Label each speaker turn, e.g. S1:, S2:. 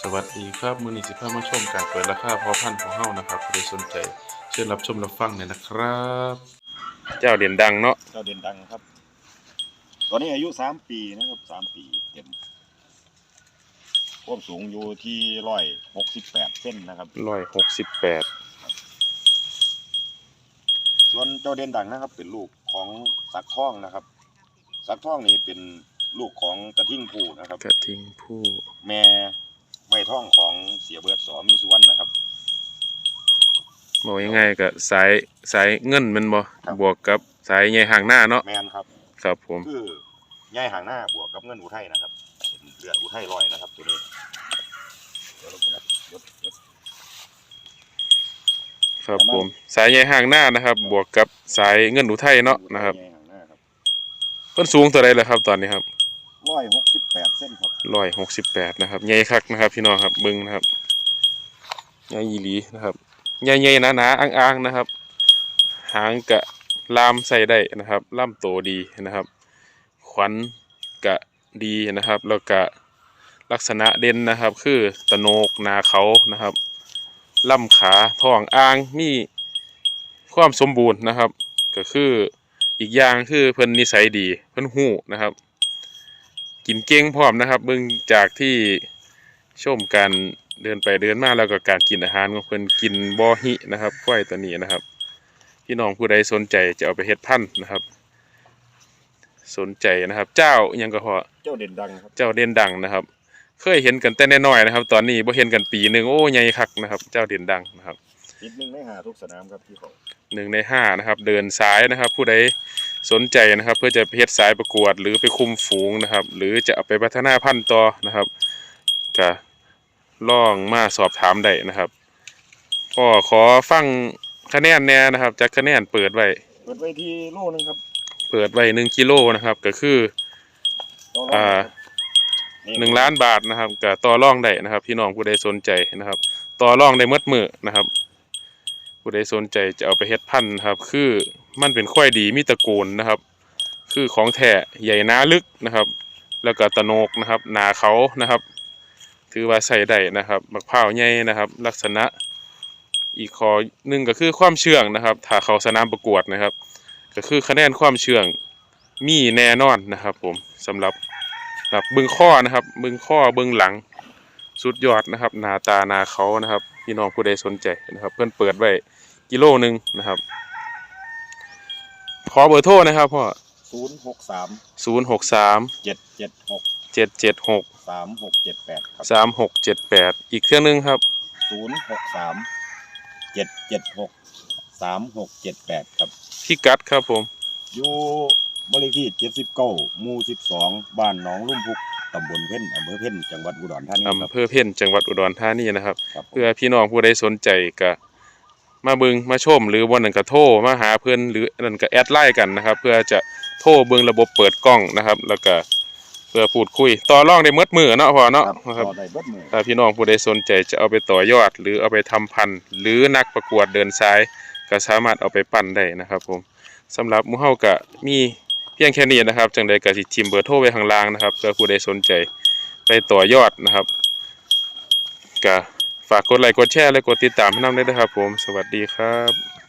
S1: วัสดีครับมื้อนี้สิพามาชมการเปิดราคาพอพันธุ์ของเฮานะครับผู้ใดสนใจเชิญรับชมรับฟังเนี่ยนะครับเจ้าเด่นดังเนาะ
S2: เจ้าเด่นดังครับตอนนี้อายุ3 ปีนะครับ3 ปีเต็มความสูงอยู่ที่168 เซนนะครับ
S1: 168
S2: ส่วนเจ้าเด่นดังนะครับเป็นลูกของสักท่องนะครับสักท่องนี่เป็นลูกของกระทิ่งผู้นะครับ
S1: กระทิงผู้
S2: แม่ไม่ท่องของเสียเบิดสมีสุวรรณนะครับ
S1: บอกยังไงก็สายเงินมันบ่บวกกับสายใหญ่ห่างหน้าเนาะ
S2: แมนครับ
S1: ครับผม
S2: คือใหญ่ห่างหน้าบวกกับเงินอุทัยนะครับเป็นเลือดอุทัยลอยนะครับตัวนี้
S1: ครับผมสายใหญ่ห่างหน้านะครับบวกกับสายเงินอุทัยเนาะนะครับเพิ่นสูงเท่าไรล่ะครับตอนนี้ครับ
S2: 168 เซนครับ
S1: 168นะครับใหญ่คักนะครับพี่น้องครับเบิ่งนะครับใหญ่อีหลีนะครับใหญ่ๆหนาๆอ้างๆนะครับหางกะลามใส่ได้นะครับล่ำโตดีนะครับขวัญกะดีนะครับแล้วก็ลักษณะเด่นนะครับคือตะโหนกหนาเขานะครับล่ำขาท้องอ่างมีความสมบูรณ์นะครับก็คืออีกอย่างคือเพิ่นนิสัยดีเพิ่นหู้นะครับกินเก่งพร้อมนะครับเบิ่งจากที่ชมการเดินไปเดินมาแล้วก็การกินอาหารของเพิ่นกินบ่หินะครับควายตัวนี้นะครับพี่น้องผู้ใดสนใจจะเอาไปเฮ็ดพันธุ์นะครับสนใจนะครับเจ้ายังก็พอ
S2: เจ้าเด่นดังครับ
S1: เจ้าเด่นดังนะครับเคยเห็นกันแต่น้อยๆนะครับตอนนี้บ่เห็นกันปีนึงโอ้ใหญ่คักนะครับเจ้าเด่นดังนะครับ
S2: ติด1 ใน 5ทุกสนามครับที่เขา
S1: 1 ใน 5นะครับเดินสายนะครับผู้ใดสนใจนะครับเพื่อจะไปเฮ็ดสายประกวดหรือไปคุมฝูงนะครับหรือจะเอาไปพัฒนาพันธุ์ต่อนะครับก็ลองมาสอบถามได้นะครับก็ขอฟังคะแนนแน่นะครับจากคะแนนเปิดไว้
S2: ที่โลนึงครับ
S1: เปิดไว้1 กิโลนะครับก็คือ1 ล้านบาทนะครับก็ต่อรองได้นะครับพี่น้องผู้ใดสนใจนะครับต่อรองได้หมดมื้อนะครับผู้ใดสนใจจะเอาไปเฮ็ดพันธุ์ครับคือมันเป็นควายดีมีตระกูลนะครับคือของแท้ใหญ่หนาลึกนะครับแล้วก็ตะโหนกนะครับหนาเขานะครับถือว่าใส่ได้นะครับบักพร้าวใหญ่นะครับลักษณะอีกข้อหนึ่งก็คือความเชื่องนะครับถ้าเขาสนามประกวดนะครับก็คือคะแนนความเชื่องมีแน่นอนนะครับผมสำหรับบึงข้อนะครับบึงข้อบึงหลังสุดยอดนะครับหน้าตาหน้าเขานะครับพี่น้องผู้ใดสนใจนะครับเพื่อนเปิดไว้กิโลนึงนะครับขอเบอร์โทรนะครับพ่อ
S2: 063 776 3678ครับ
S1: 3678อีกเครื่องนึงครับ
S2: 063 776 3678ครับ
S1: พี่กัดครับผม
S2: อยู่บ้านเลขที่79 หมู่ 12บ้านหนองลุ่มพุกตำบลเพ็ญอำเภอเพ็ญจังหวัดอุดรธานีครับ
S1: อำเภอเพ็ญจังหวัดอุดรธานีนะครับเพื่อพี่น้องผู้ใดสนใจก็มาเบิ่งมาชมหรือวันนั้นก็โทรมาหาเพื่อนหรือนั่นก็แอดไลน์กันนะครับเพื่อจะโทรเบิ่งระบบเปิดกล้องนะครับแล้วก็เพื่อพูดคุยต่อรองได้หมดมือเนาะพ่อเนาะ
S2: ครับ
S1: ถ้าพี่น้องผู้ใดสนใจจะเอาไปต่อยอดหรือเอาไปทำพันธุ์หรือนักประกวดเดินสายก็สามารถเอาไปปั้นได้นะครับผมสำหรับหมู่เฮาก็มีเพียงแค่นี้นะครับจังใดก็สิทิมเบอร์โทรไว้ข้างล่างนะครับเพื่อผู้ใดสนใจไปต่อยอดนะครับก็ฝากกดไลค์กดแชร์และกดติดตามให้นำด้วยนะครับผมสวัสดีครับ